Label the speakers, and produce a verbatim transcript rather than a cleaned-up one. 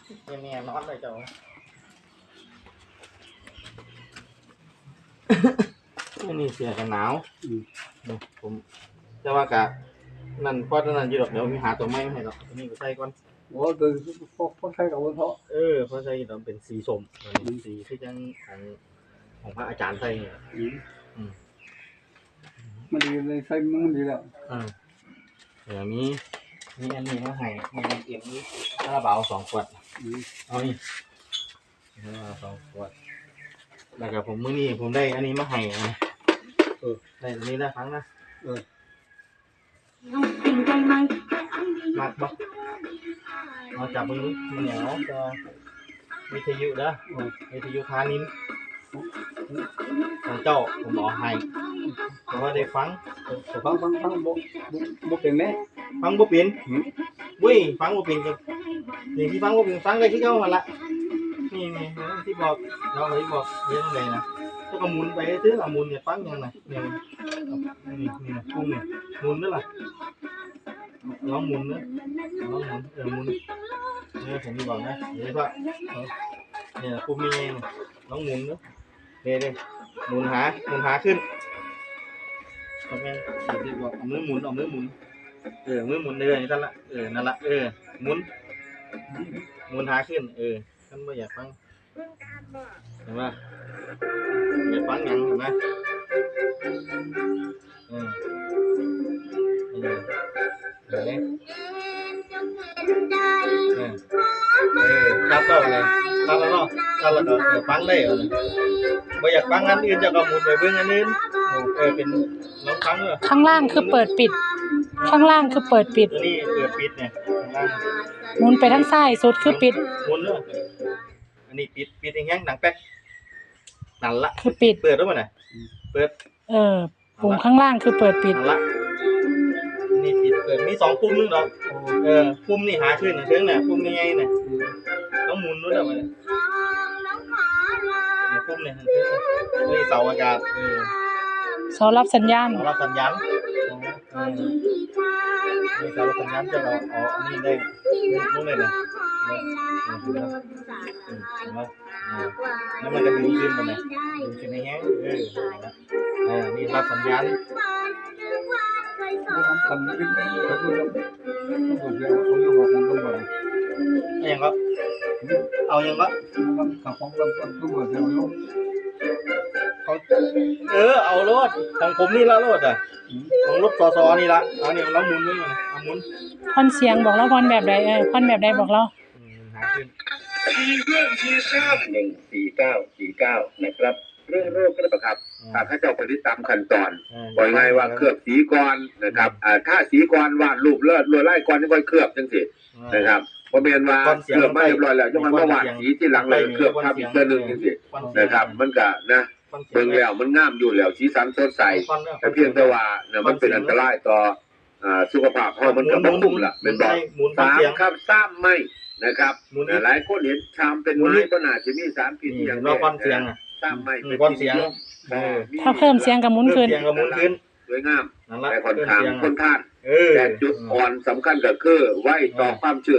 Speaker 1: เนี่ยนอนเลยเจ้านี่เสียกันหนาวผมจะว่ากะนั่นเพราะนั่นอยู่ดอกเดี๋ยวมีหาตัวไม้ให้ดอกนี่ก็ใส่ก่อน
Speaker 2: โอ้คือพวกพวกใช้กับเขา
Speaker 1: เออเพราะใส่ดอกเป็นสีส้มสีที่ยังของของพระอาจารย์ใส่เนี่ย
Speaker 2: มันดีเลยใช้มันดีแล้ว
Speaker 1: อ่าเดี๋ยวนี้นี่อันนี้มาให้มีเตรียมนี้คาราบาวสองขวดเอานี่คาราบาวสองขวดแล้วก็ผมมื้อนี้ผมได้อันนี้มาให้นะเออได้อันนี้ได้ครั้งนะเออมัดบ่เอาจับมือมันเหนียวจะวิทยุเด้อวิทยุพานินของเจ้าผมบอกให้เพราะว่าได้ฟัง
Speaker 2: ฟังฟังฟังบ่บ่เป็นแน่
Speaker 1: ฟังบ่เป็นวุ้ยฟังบ่เป็นกับนี่ที่ฟังบ่เป็นฟังได้ที่เจ้าหั่นล่ะนี่นี่ที่บอกเราเลยบอกเรื่องอะไรนะก็ก็หมุนไปซื้อละหมุนเนี่ยฟังยังไงเนี่ยนี่นี่พุ่งเนี่ยหมุนนั่นล่ะลองหมุนนะลองหมุนเออหมุนเนี่ยผมบอกนะเดี๋ยวก็เนี่ยปุ่มนี้ลองหมุนนะเดี๋ยวเดี๋ยวหมุนหาหมุนหาขึ้นทำไงเดี๋ยวบอกเอามือหมุนเอามือหมุนเออมือหมุนเลยนั่นละเออนั่นละเออหมุนหมุนหาขึ้นเออท่านไม่อยากฟังเห็นไหมอยากฟังยังเห็นไหมเออเออเห็นไหมเออเออครับก็เลยครับแล้วเนาะครับแล้วก็เออฟังได้เหรอไม่อยากฟังอันอื่นจะก็หมุนไปเบื้องอันอื่นเออเป็นน้องฟังเหรอ
Speaker 3: ข้างล่างคือเปิดปิดข้างล่างคือเปิดปิด
Speaker 1: นี่เปิดปิดเนี่ยข้างล่าง
Speaker 3: หมุนไปทางซ้ายสุดคือปิด
Speaker 1: หมุนเนอะอันนี้ปิดปิดอย่างเงี้ยหนังแป๊กนั่นละ
Speaker 3: คือปิด
Speaker 1: เปิดด้วยมั้ยน่ะเปิด
Speaker 3: เออปุ่มข้างล่างคือเปิดปิด
Speaker 1: นั่นละนี่ปิดเปิดมีสองปุ่มนึงดอกเออปุ่มนี่หาขึ้นเชิงน่ะปุ่มใหญ่ๆน่ะต้องหมุนด้วยดอกเนี่ยปุ่มเนี่ยนี่เสาอากาศเออ
Speaker 3: เสารับสัญญาณ
Speaker 1: เสารับสัญญาณเออนี่เสารับสัญญาณจะเราเอาอันนี้ได้นู่นเลยนะแล้วมันก็ดึงขึ้นมาเนี่ยดึงขึ้นในแห้งเออเออนี่รับสัญญาณ
Speaker 2: ทำขึ้นเขาดูแล้วเขาดูแล้วเขาดูว่ามันต้องแบบ
Speaker 1: ยังก็เอายังก็
Speaker 2: กับของเราต้องดูว่าเรา
Speaker 1: เขาเออเอารถของผมนี่ละรถอ่ะของรถซอซอนี่ละเอาเนี่ยเราหมุนด้วยมันเอาหมุน
Speaker 3: พอนเสียงบอกเราพอนแบบใดเออพอนแบบใดบอกเรา
Speaker 1: หาขึ้น
Speaker 4: ทีเรื่องทีทราบหนึ่งสี่เก้าสี่เก้านะครับเรื่องโรคกระครับถ้าข้าเจ้าปฏิบัติตามขั้นตอนบอกง่ายว่าเคลือบสีก่อนนะครับอ่าถ้าสีก่อนวาดรูปเลือดลวดลายก่อนนี่ค่อยเคลือบจังสินะครับพอเปลี่ยนว่าเคลือบไม่เรียบร้อยแล้วยังมันมาวาดสีที่หลังเลยเคลือบทับอีกตัวนึงจังสินะครับมันก็นะเบิ่งแล้วมันงามอยู่แล้วสีสันสดใสแต่เพียงแต่ว่าเนี่ยมันเป็นอันตรายต่ออ่าสุขภาพเพราะมันก็บ่คุ้มล่ะเป็นบ่สามครับซ้ำไม่นะครับหลายคนเห็นชามเป็นไม้ก็น่าจะมีสารพิษอย่างนี้ซ้ำไม่เป็น
Speaker 1: ก้อนเสียง
Speaker 3: ถ้าเพิ่มเสียงกับหมุนขึ้น
Speaker 4: สวยงามแต่ค่อนข้างค่อนข้างแต่จุดอ่อนสำคัญก็คือไว้ต่อความเชื่อ